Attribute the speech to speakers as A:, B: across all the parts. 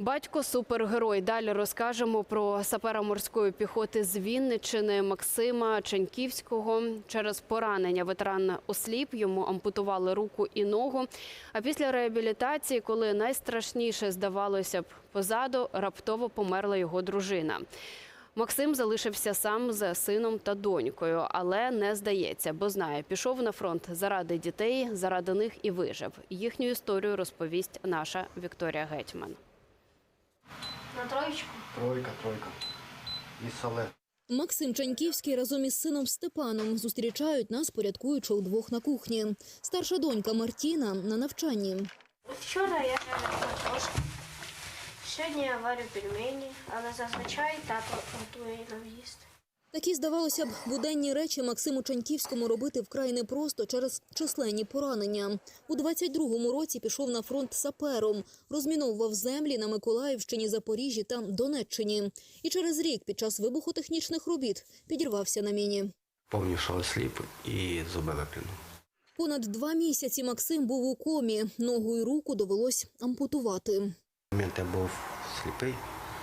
A: Батько – супергерой. Далі розкажемо про сапера морської піхоти з Вінниччини Максима Ченьківського. Через поранення ветеран осліп, йому ампутували руку і ногу. А після реабілітації, коли найстрашніше здавалося б позаду, раптово померла його дружина. Максим залишився сам з сином та донькою, але не здається, бо знає, пішов на фронт заради дітей, заради них і вижив. Їхню історію розповість наша Вікторія Гетьман.
B: На троєчку?
C: Тройка. І сале.
D: Максим Ченьківський разом із сином Степаном зустрічають нас, порядкуючи удвох на кухні. Старша донька Мартіна на навчанні.
B: Вчора я жарила картошку. Сьогодні я варю пельмені, але зазвичай тато готує нам їсти.
D: Такі, здавалося б, буденні речі Максиму Ченьківському робити вкрай непросто через численні поранення. У 22-му році пішов на фронт сапером, розміновував землі на Миколаївщині, Запоріжжі та Донеччині. І через рік під час вибухотехнічних робіт підірвався на міні.
C: Повністю осліп і зуби виплюнув.
D: Понад 2 місяці Максим був у комі. Ногу і руку довелось ампутувати.
C: Я був сліпий.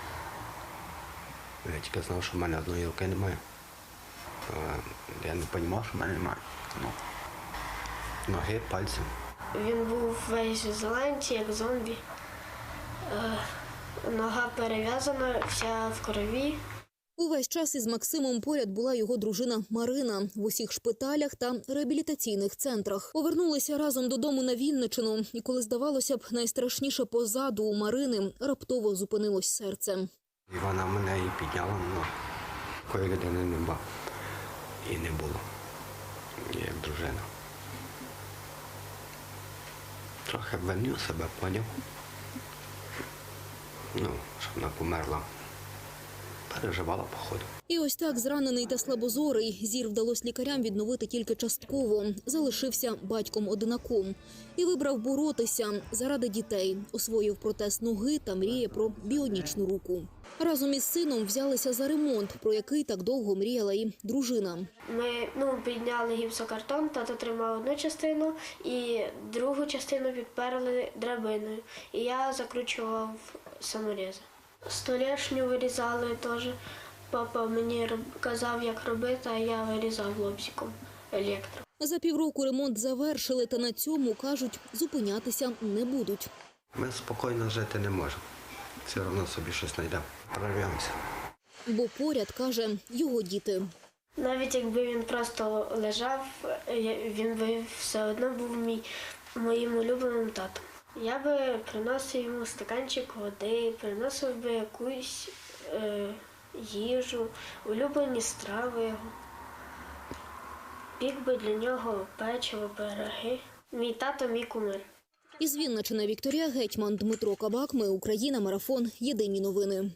C: Я тільки знав, що в мене одної руки немає. Я не розумів, що в мене немає. Ноги, пальці.
B: Він був весь в зеленці, як зомбі. Нога перев'язана, вся в крові.
D: Увесь час із Максимом поряд була його дружина Марина. В усіх шпиталях та реабілітаційних центрах. Повернулися разом додому на Вінниччину. І коли, здавалося б, найстрашніше позаду у Марини, раптово зупинилось серце.
C: І вона мене і підняла, але такої людини нема. І не було. Як дружина. Трохи винив себе, поняв. Щоб вона померла. Переживала, походу.
D: І ось так зранений та слабозорий. Зір вдалося лікарям відновити тільки частково. Залишився батьком-одинаком. І вибрав боротися заради дітей. Освоїв протез ноги та мріє про біонічну руку. Разом із сином взялися за ремонт, про який так довго мріяла і дружина.
B: Ми підняли гіпсокартон, тато тримав одну частину і другу частину підперли драбиною. І я закручував саморізи. Столешню вирізали теж. Папа мені казав, як робити, а я вирізав лобзиком електро.
D: За півроку ремонт завершили, та на цьому, кажуть, зупинятися не будуть.
C: Ми спокійно жити не можемо. Все одно собі щось знайдемо. Прорвемося.
D: Бо поряд, каже, його діти.
B: Навіть якби він просто лежав, він би все одно був моїм улюбленим татом. Я би приносив йому стаканчик води, приносив би якусь їжу, улюблені страви його. Пік би для нього печиво, пироги. Мій тато – мій кумир.
D: Із Вінниччини Вікторія Гетьман, Дмитро Кабак. Ми Україна. Марафон. Єдині новини.